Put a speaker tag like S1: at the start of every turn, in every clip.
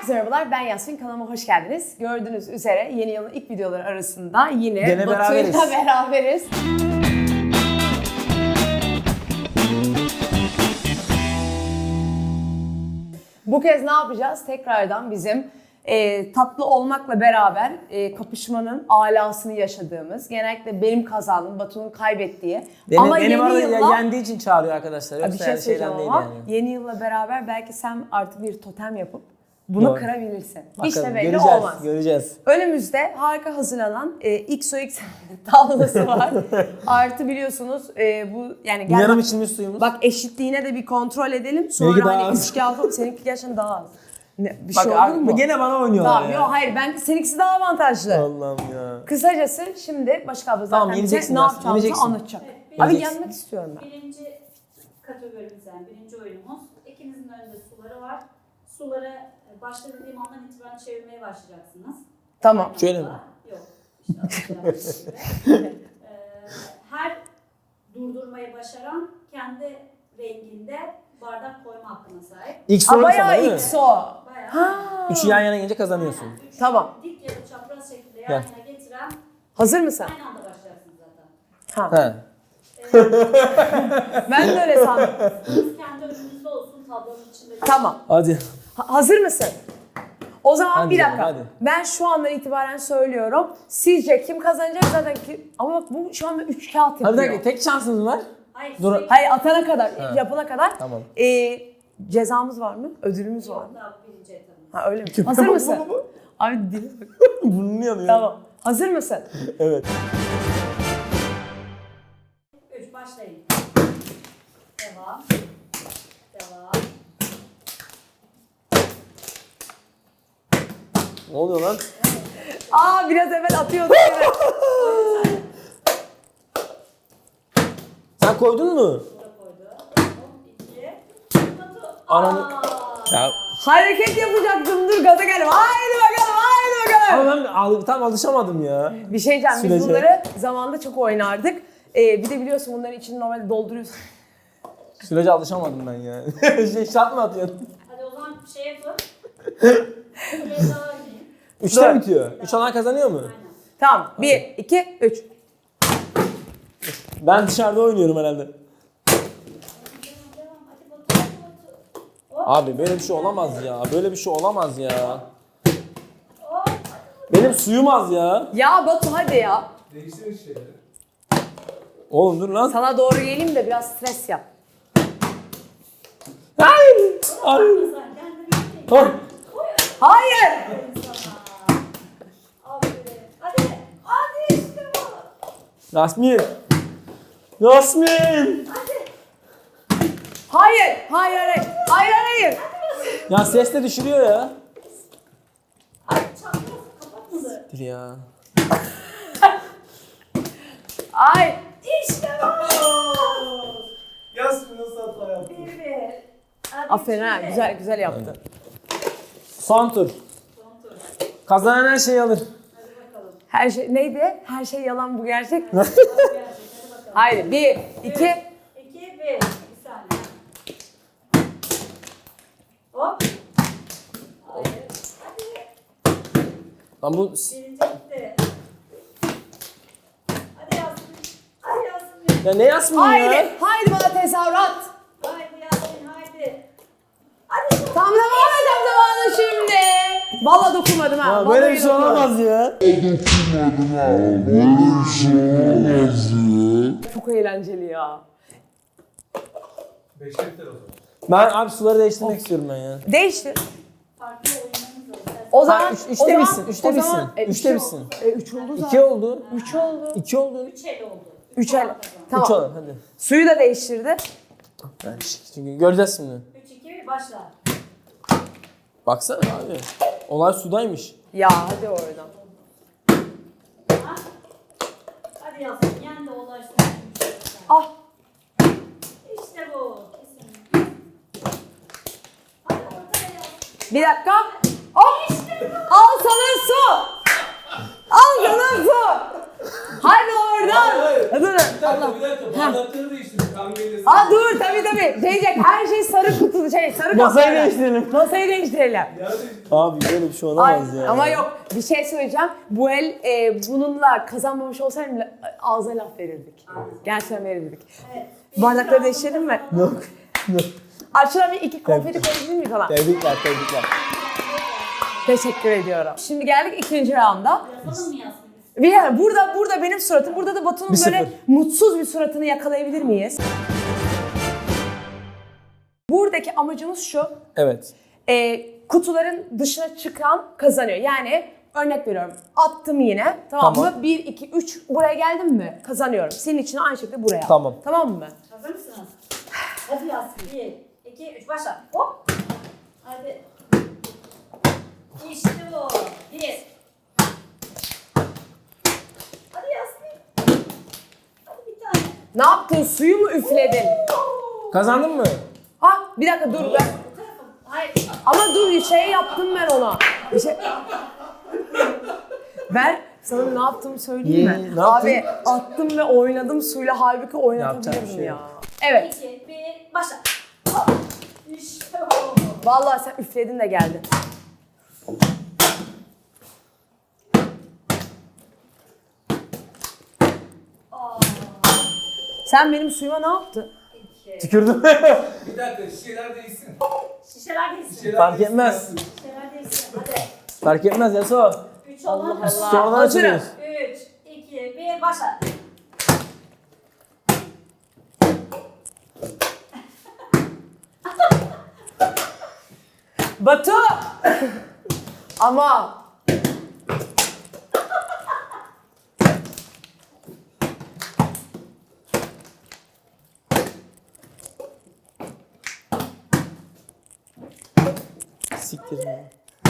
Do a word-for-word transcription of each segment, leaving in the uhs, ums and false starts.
S1: Herkese merhabalar, ben Yasmin. Kanalıma hoş geldiniz. Gördüğünüz üzere yeni yılın ilk videoları arasında yine
S2: Gene
S1: Batu'yla
S2: beraberiz.
S1: beraberiz. Bu kez ne yapacağız? Tekrardan bizim e, tatlı olmakla beraber e, kapışmanın alasını yaşadığımız, genellikle benim kazandığım, Batu'nun kaybettiği.
S2: Beni,
S1: ama
S2: benim
S1: yeni
S2: arada
S1: yılla...
S2: yendiği için çağırıyor arkadaşlar.
S1: Bir
S2: Yoksa
S1: şey
S2: yani şeyden
S1: söyleyeceğim
S2: değil
S1: ama
S2: yani.
S1: yeni yılla beraber belki sen artık bir totem yapıp bunu
S2: Doğru.
S1: kırabilirsin.
S2: Bakalım,
S1: Hiç de belli
S2: göreceğiz,
S1: olmaz.
S2: Göreceğiz.
S1: Önümüzde harika hazırlanan e, X O X tavlası var. Artı biliyorsunuz e, bu yani gel
S2: Yarım
S1: bak,
S2: içilmiş suyumuz.
S1: bak eşitliğine de bir kontrol edelim. Sonra
S2: Benimki daha
S1: hani
S2: az.
S1: üç kağıt alalım. Seninki gerçekten daha az. Ne, bir
S2: Bak
S1: şey olur
S2: abi,
S1: mu?
S2: gene bana oynuyorlar
S1: Tamam,
S2: ya.
S1: yok hayır ben seninkisi daha avantajlı.
S2: Allah'ım ya.
S1: Kısacası şimdi başka abla zaten
S2: Tamam,
S1: bize
S2: yeneceksin
S1: ne
S2: Yasin,
S1: yapacağımızı
S2: yeneceksin.
S1: anlatacak.
S3: Evet,
S1: Abi
S2: yeneceksin.
S1: yenmek istiyorum ben.
S3: Birinci kategorimiz yani birinci oyunumuz. İkinizin önünde suları var. Suları başta dediğim andan itibaren çevirmeye başlayacaksınız.
S1: Tamam.
S2: Şöyle mi?
S3: Yok. İşte atacağım. Ee, her durdurmayı başaran kendi renginde bardak koyma hakkına sahip.
S2: İlk
S1: Aa,
S2: soru sana
S1: bayağı
S2: değil mi?
S1: X O.
S3: Bayağı.
S1: Ha.
S2: Üçü yan yana gelince kazanıyorsun.
S3: Aynen, üç
S1: Tamam.
S3: dik ya da çapraz şekilde yan
S2: Gel.
S3: yana getiren
S1: Hazır mısın?
S3: aynı anda başlarsınız zaten.
S1: Ha.
S2: He.
S1: Ben de öyle sandım.
S3: Siz kendi önünüzde olsun tablonun içinde.
S1: Tamam.
S2: Hadi.
S1: Ha- hazır mısın? O zaman
S2: Hadi
S1: bir
S2: canım,
S1: dakika.
S2: hadi.
S1: Ben şu andan itibaren söylüyorum. Sizce kim kazanacak zaten ki? Ama bak bu şu anda üç kağıt yapıyor.
S2: Hadi dakika, tek şansınız var.
S3: Hayır,
S2: Dur.
S3: sürekli-
S1: Hayır atana kadar,
S2: Ha.
S1: yapana kadar.
S2: Tamam.
S1: Ee, cezamız var mı? Ödülümüz var
S3: Yok,
S1: mı?
S3: daha birinci etabımız.
S1: Ha öyle mi? Hazır mısın? Abi dili bak.
S2: Burnunu yanıyor.
S1: Tamam. Hazır mısın?
S2: Evet.
S3: Üç, başlayın. Devam. Devam.
S2: Ne oluyor lan?
S1: Aa biraz evvel atıyorduk. Evet.
S2: Sen koydun mu?
S3: Burada koydu. İki. Batu.
S2: Ananı-
S3: Aa!
S2: Ya.
S1: Hareket yapacaktım. Dur gaza geldim. Haydi bakalım, haydi bakalım.
S2: Ama ben al- tam alışamadım ya.
S1: Bir şey diyeceğim. Biz
S2: Sürece.
S1: bunları zamanında çok oynardık. Ee, bir de biliyorsun bunların içini normalde dolduruyorsun.
S2: Sürece alışamadım ben ya. şey şart mı atıyorsun?
S3: Hadi o zaman şey yapın. Bir daha oynayın.
S2: Üçte
S1: Dört.
S2: mi bitiyor? Üç olan kazanıyor mu?
S3: Aynen.
S1: Tamam. Bir, iki, üç.
S2: Ben dışarıda oynuyorum herhalde.
S3: Devam, devam. Hadi Batu, hadi Batu. Hop,
S2: Abi böyle bir şey olamaz ya. Böyle bir şey olamaz ya.
S3: hop, hadi Batu.
S2: Benim suyum az ya.
S1: Ya Batu hadi ya.
S4: Değiştirin şeyleri.
S2: Oğlum dur lan.
S1: Sana doğru geleyim de biraz stres yap.
S2: Hayır. Hayır.
S3: Sen kendini bir
S2: Ah.
S1: Hayır.
S3: sana. Aferin. Hadi. Hadi işte bu.
S2: Yasmin. Yasmin.
S3: Hadi.
S1: Hayır. Hayır, hayır. Hayır, hayır.
S2: Ya ses de düşürüyor ya.
S3: Hadi çapraz kapatmadı.
S2: Dur ya.
S1: Ay.
S3: İşte bu.
S4: Yasmin nasıl hata yaptın?
S3: Bir bir. Hadi
S1: Aferin ha.
S3: şimdi.
S1: Güzel, güzel yaptın.
S2: Son tur.
S3: Son tur.
S2: Kazanan her şeyi alır.
S3: Hadi bakalım.
S1: Her şey neydi? Her şey yalan bu gerçek.
S3: Hadi gerçek. Hadi bakalım.
S1: Haydi. Bir, iki.
S3: İki, bir. Bir saniye. Hop. Hayır. Hadi.
S2: Lan bu...
S3: Birinci gitti. Hadi Yasmin. Hadi Yasmin.
S2: Ya ne Yasmin
S1: Haydi.
S2: ya?
S1: Haydi bana tezahürat.
S3: Haydi Yasmin haydi. Hadi şu.
S1: Tamlamayacağım zamanı şimdi. Valla dokunmadım ha.
S2: Ya
S1: Vallahi
S2: böyle bir şey
S1: dokunmadım.
S2: olamaz ya.
S1: Çok eğlenceli ya.
S4: Beşte biter o zaman.
S2: Ben abi suları değiştirmek istiyorum ben ya.
S1: Değiştir.
S3: Farklı oyunlarımız var.
S1: O
S2: Ha,
S1: zaman
S2: üç- üçte
S1: o zaman-
S2: bitsin, üçte
S1: o zaman-
S2: bitsin,
S1: E,
S2: üçte
S1: üç
S2: bitsin.
S1: oldu. E, üç oldu zaten.
S2: İki oldu.
S1: Üç oldu.
S2: İki oldu.
S3: Üç el oldu.
S1: Üç
S3: puan
S1: el.
S3: kazandı.
S1: Tamam.
S2: Üç oldu hadi.
S1: Suyu da değiştirdi.
S2: Ben şi- çünkü göreceğiz şimdi.
S3: Üç, iki, bir, başla.
S2: Baksana abi. Olay sudaymış.
S1: Ya hadi oradan.
S3: Ha? Hadi Yasmin. Yen de ulaşsın.
S1: Ah.
S3: İşte bu. Kesin. Hadi ortaya.
S1: Bir dakika. Hop. Al sana su. Al sana su. Hadi oradan.
S4: Hayır.
S1: Dur.
S4: Bir dakika
S1: Allah.
S4: bir dakika. Bardakları değiştirdik. Kahveyle
S1: Aa dur tabii tabii. Diyecek her şey sarı kutu şey sarı
S2: Masayı
S1: kaplarda.
S2: değiştirelim.
S1: Masayı değiştirelim.
S4: Ya
S2: Abi böyle bir şey
S1: Ay,
S2: olamaz ya.
S1: ama yok bir şey söyleyeceğim. Bu el e, bununla kazanmamış olsaydım bile ağza laf verirdik. Gerçekten verirdik.
S3: Evet.
S1: Bardakları değiştirelim mi?
S2: Yok. Yok.
S1: Arşına bir iki konfeti koyabilir miyim falan?
S2: Tebrikler, tebrikler.
S1: Teşekkür ediyorum. Şimdi geldik ikinci rounda.
S3: Yapalım mı Yasmin?
S1: Bir yer, burada burada benim suratım, burada da Batu'nun
S2: Bir
S1: böyle
S2: sıfır.
S1: mutsuz bir suratını yakalayabilir miyiz? Buradaki amacımız şu.
S2: Evet.
S1: E, kutuların dışına çıkan kazanıyor. Yani örnek veriyorum. Attım yine. Tamam,
S2: Tamam.
S1: mı? bir, iki, üç buraya geldim mi? Kazanıyorum. Senin için aynı şekilde buraya.
S2: Tamam.
S1: Tamam mı?
S3: Hazır mısınız? Hadi Yasmin. Bir, iki, üç, başla. Hop. Hadi. İşte bu. Bir. Hadi Yasmin. Hadi bir tane.
S1: Ne yaptın? Suyu mu üfledin?
S2: Kazandın mı?
S1: Ha bir dakika dur ben.
S3: Bu tarafa. Hayır.
S1: Ama dur bir şey yaptım ben ona. Bir şey... Ben sana ne yaptığımı söyleyeyim mi?
S2: Ye, ne yaptın?
S1: Abi attım ve oynadım suyla halbuki
S2: Yapacak
S1: oynatabilirdim
S2: bir şey
S1: ya.
S2: yok.
S1: Evet.
S3: İki, bir, başla. Hop. İşte bu.
S1: Vallahi sen üfledin de geldin.
S3: Aa.
S1: Sen benim suyuma ne yaptın?
S3: İki.
S2: Tükürdüm.
S4: bir dakika şişeler değişsin.
S3: Şişeler değilsin.
S4: Şişeler
S2: Fark
S4: değişsin
S2: etmez.
S4: Yasmin.
S3: Şişeler değilsin. Hadi.
S2: Fark etmez Yaso.
S3: Üç olan
S1: Allah Allah.
S2: Sonradan
S1: Hazırım.
S2: açılıyoruz.
S3: Üç, iki, bir, başla.
S1: Batu! Ama
S2: Siktir ya.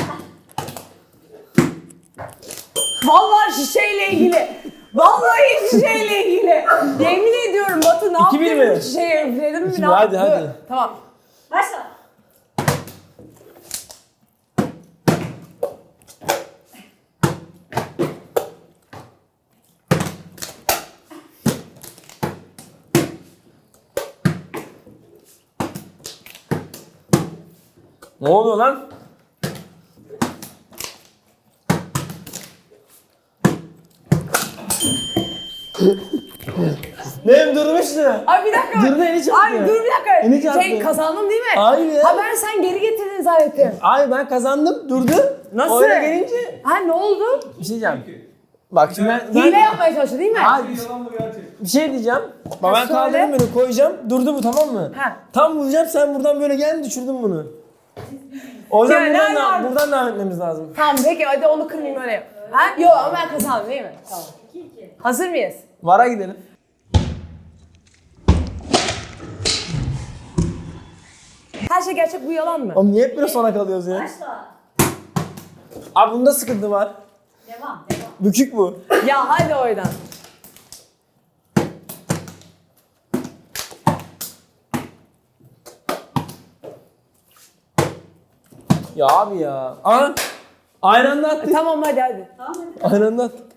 S1: vallahi şişeyle ilgili. Vallahi şişeyle ilgili. Yemin ediyorum Batu ne
S2: İki bir
S1: yaptın?
S2: mi?
S1: Bu şişeyi üfledin mi?
S2: İki
S1: Ne
S2: bir, hadi,
S1: yaptın?
S2: hadi.
S1: Tamam.
S3: Başla.
S2: Ne oluyor lan? Benim durmuştu.
S1: Ay bir dakika.
S2: Dur da eli çarptı.
S1: Ay dur bir dakika.
S2: Eli çarptı.
S1: Şey kazandım değil mi?
S2: Hayır ya.
S1: Ha ben sen geri getirdin zannettim.
S2: Ay ben kazandım, durdu.
S1: Nasıl?
S2: Öyle gelince.
S1: Ha ne oldu?
S2: Bir şey diyeceğim. Bak şimdi ben, ben
S1: Hile yapmaya çalıştı değil mi?
S2: Hayır.
S4: Bir yalan mı gerçek?
S2: bir şey diyeceğim. Bak
S1: Ha,
S2: ben
S1: söyle.
S2: kaldırdım bunu koyacağım. Durdu bu, tamam mı?
S1: Ha.
S2: Tam vuracağım, sen buradan böyle geldin, düşürdün bunu. O yüzden
S1: Ya,
S2: buradan,
S1: ne
S2: da,
S1: var?
S2: buradan devam etmemiz lazım.
S1: Tamam peki hadi onu kırmayayım öyle yap. Ha? Yok ama ben kazandım değil mi? Tamam.
S3: İki, iki.
S1: Hazır mıyız?
S2: Vara gidelim.
S1: Her şey gerçek bu yalan mı?
S2: Oğlum niye hep böyle sona kalıyoruz ya?
S3: Başla.
S2: Abi bunda sıkıntı var.
S3: Devam, devam.
S2: Bükük bu.
S1: Ya hadi oradan.
S2: Ya abi ya. Aa, aynı anda attık.
S1: Tamam hadi hadi.
S3: Tamam hadi.
S2: Aynı anda attık.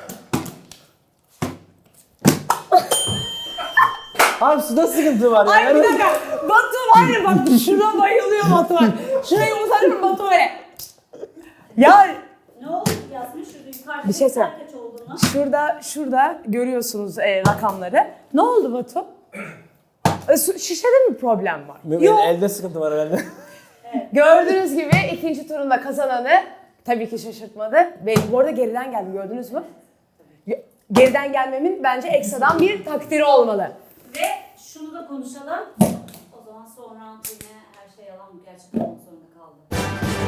S2: Abi suda sıkıntı var ya.
S1: Ay bir
S2: Yani-
S1: dakika. Batu var ya bak şuna bayılıyor Batu var. Şurayı uzatırım Batu öyle. Ya
S3: Ne oldu Yasmin? Şurada yukarıda
S1: Bir şey söyle.
S3: kaç olduğunu.
S1: şurada şurada görüyorsunuz e, rakamları. Ne oldu Batu? E, su- şişede mi problem var?
S2: Benim
S1: Yok.
S2: elde sıkıntı var herhalde.
S1: Gördüğünüz gibi ikinci turunda kazananı tabii ki şaşırtmadı. Ve bu arada geriden geldi gördünüz mü? Ge- Geriden gelmemin bence ekstradan bir takdiri olmalı.
S3: Ve şunu da konuşalım. O zaman sonra yine her şey yalan mı gerçek olmak zorunda kaldı.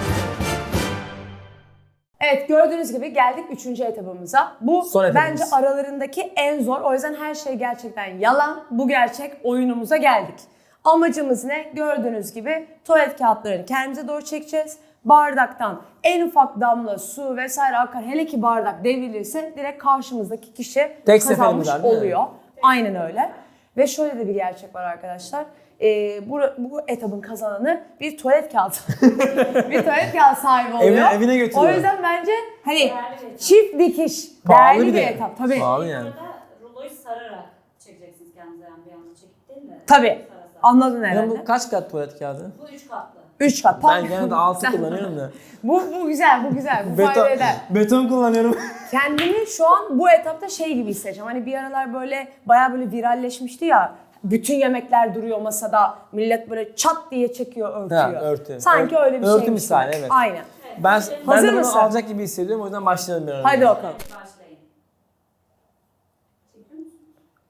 S1: Evet gördüğünüz gibi geldik üçüncü etabımıza. Bu
S2: Son etabımız.
S1: bence aralarındaki en zor. O yüzden her şey gerçekten yalan. Bu gerçek oyunumuza geldik. Amacımız ne? Gördüğünüz gibi tuvalet kağıtlarını kendimize doğru çekeceğiz. Bardaktan en ufak damla su vesaire akar. Hele ki bardak devrilirse direkt karşımızdaki kişi
S2: Tek
S1: kazanmış
S2: seferimiz var, değil mi?
S1: oluyor. Aynen öyle. Ve şöyle de bir gerçek var arkadaşlar. e, bu, bu etabın kazananı bir tuvalet kağıdı. bir tuvalet kağıdı sahibi oluyor.
S2: Evine, evine
S1: O
S2: götürüyor.
S1: yüzden bence hani
S3: Değerli bir etap.
S1: çift dikiş,
S2: Pahalı
S1: değerli
S2: bir
S1: bir
S2: de.
S1: etap. Tabii.
S2: Pahalı yani.
S3: Burada ruloyu sararak çekeceksiniz kendinize, yani bir anda çekip değil de.
S1: Tabii.
S3: Sara sara.
S1: Anladın
S2: Ya
S1: herhalde.
S2: bu kaç kat tuvalet kağıdı?
S3: Bu üç katlı.
S1: Üç kat.
S2: Ben genelde altı
S1: Sen-
S2: kullanıyorum da.
S1: Bu, bu güzel, bu güzel. Bu
S2: Beton,
S1: fayda eder.
S2: beton kullanıyorum.
S1: Kendimi şu an bu etapta şey gibi hissedeceğim. Hani bir aralar böyle bayağı böyle viralleşmişti ya. Bütün yemekler duruyor masada. Millet böyle çat diye çekiyor, örtüyor.
S2: Ha, örtü.
S1: Sanki
S2: Ör-
S1: öyle bir
S2: örtü
S1: şey.
S2: misali, evet.
S1: Aynen.
S3: Evet,
S2: Ben,
S3: şimdi-
S2: ben
S1: Hazır
S2: de bunu
S1: mısın?
S2: alacak gibi hissediyorum, o yüzden başlayalım bir an önce.
S1: Hadi bakalım.
S3: Evet, başlayın. Çekiyor musun?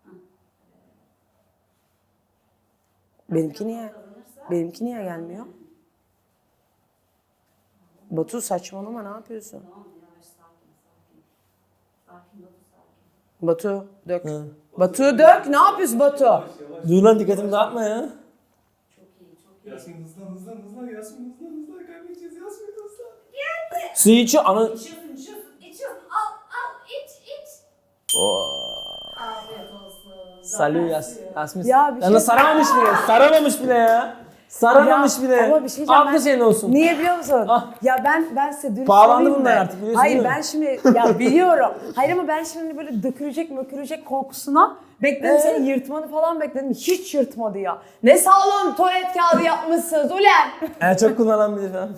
S1: Benimki niye?
S3: Kazanırsa-
S1: Benimki niye gelmiyor? Batu saçmalama, ne yapıyorsun?
S3: Tamam, yavaş, sakin, sakin. Sakin, Batu, sakin.
S1: Batu dök.
S2: Hı.
S1: Batu dök. Ne yapıyorsun Batu?
S2: Dur lan, dikkatimi dağıtma ya.
S3: Çok iyi, çok iyi.
S4: Yasin hızlan hızlan hızlan Yasin hızlan hızlan kaybedeceğiz Yasin hızlan.
S2: Su içiyor, ana...
S3: İçiyorsun, içiyorsun, içiyorsun. Al, al, iç, iç.
S2: Oo.
S3: Afiyet olsun.
S2: Salü Yas
S3: Zafer
S2: Yasmin.
S1: Ya bir
S2: Ya
S1: şey-
S2: saramamış bile, saramamış bile ya. Saramamış
S1: Ya,
S2: bile.
S1: ama bir şey diyeceğim,
S2: Aklı
S1: ben-
S2: senin olsun.
S1: Niye biliyor musun?
S2: Ah.
S1: Ya ben ben size dürüst
S2: Pahalandı
S1: olayım
S2: bunlar
S1: mı?
S2: artık, biliyorsun
S1: Hayır
S2: değil mi?
S1: ben şimdi ya biliyorum. Hayır ama ben şimdi böyle dökülecek mökülecek korkusuna bekledim,
S2: Ee?
S1: seni yırtmanı falan bekledim. Hiç yırtmadı ya. Ne sağlam tuvalet kağıdı yapmışsınız ulan.
S2: En çok kullanan bilir falan.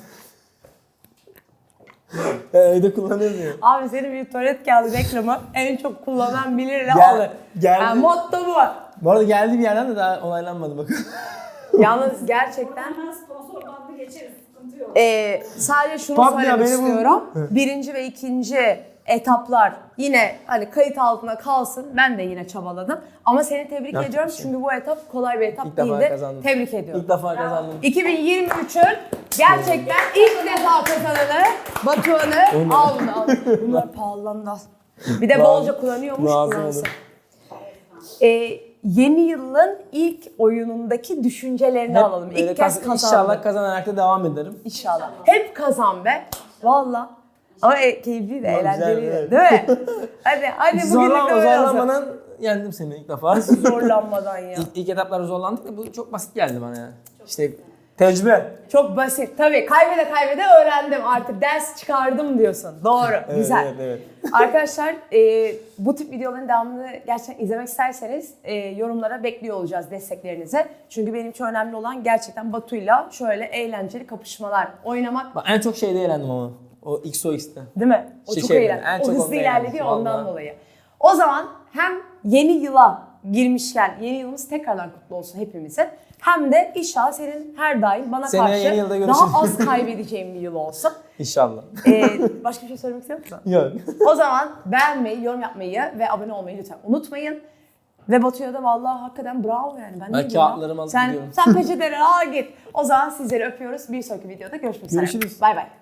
S2: Ya, evde kullanıyoruz ya.
S1: Abi senin bir tuvalet kağıdı reklamı en çok kullanan bilir ne
S2: Gel-
S1: alır.
S2: geldi.
S1: Yani motto bu.
S2: Bu arada geldi bir yerden de daha onaylanmadı bakın.
S1: Yalnız gerçekten
S3: Hemen sponsor bandı geçeriz, sıkıntı yok.
S1: Ee, sadece şunu
S2: Bak ya,
S1: söylemek
S2: beni bu-
S1: istiyorum. Birinci ve ikinci etaplar yine hani kayıt altına kalsın. Ben de yine çabaladım. Ama seni tebrik
S2: Yapacak
S1: ediyorum
S2: bir şey
S1: çünkü bu etap kolay bir etap
S2: İlk defa
S1: değildi.
S2: kazandım.
S1: Tebrik ediyorum.
S2: İlk defa kazandım.
S1: iki bin yirmi üçün gerçekten ilk defa kazananı Batuhan'ı
S2: Onu-
S1: al bunu al. Bunlar pahalandı al. Bir de bolca kullanıyormuş.
S2: Lazım
S1: kullansın.
S2: olur.
S1: Ee, yeni yılın ilk oyunundaki düşüncelerini
S2: Hep
S1: alalım.
S2: böyle
S1: İlk kez
S2: kaz-
S1: kazandın.
S2: İnşallah kazanarak da devam ederim.
S1: İnşallah. Hep kazan be. Valla. Ama e, keyifli de,
S2: Ama
S1: eğlenceli
S2: güzel,
S1: de.
S2: evet.
S1: Değil mi? Hadi, hadi bugünlük
S2: Zorlan,
S1: öyle olsun.
S2: zorlanmadan yendim seni ilk defa.
S1: Zorlanmadan ya.
S2: İlk, ilk etaplarda zorlandık da bu çok basit geldi bana yani. İşte tecrübe.
S1: Çok basit. Tabii kaybede kaybede öğrendim artık. Ders çıkardım diyorsun. Doğru.
S2: Evet,
S1: Güzel.
S2: evet, evet.
S1: Arkadaşlar e, bu tip videoların devamını gerçekten izlemek isterseniz e, yorumlara bekliyor olacağız desteklerinizi. Çünkü benim için önemli olan gerçekten Batu'yla şöyle eğlenceli kapışmalar oynamak.
S2: Bak, en çok şeyde eğlendim ama. O X O X'te.
S1: Değil mi? O
S2: Şey-
S1: çok
S2: şey,
S1: eğlenceli.
S2: en
S1: O
S2: çok
S1: hızlı
S2: onda
S1: ilerledi
S2: eğlendim,
S1: ya ondan
S2: vallahi.
S1: dolayı. O zaman hem yeni yıla girmişken yeni yılımız tekrardan kutlu olsun hepimizin. Hem de inşallah senin her daim bana
S2: Seneye
S1: karşı
S2: yeni yılda görüşürüz.
S1: daha az kaybedeceğim bir yıl olsun.
S2: İnşallah.
S1: Ee, başka bir şey söylemek istiyor musun?
S2: Yok.
S1: O zaman beğenmeyi, yorum yapmayı ve abone olmayı lütfen unutmayın. Ve Batu'ya da vallahi hakikaten bravo yani. Ben, ne diyeyim ya?
S2: kağıtlarımı alıp
S1: sen,
S2: gidiyorum.
S1: Sen peçeteleri al git. O zaman sizleri öpüyoruz. Bir sonraki videoda görüşmek üzere.
S2: Görüşürüz.
S1: Bay bay.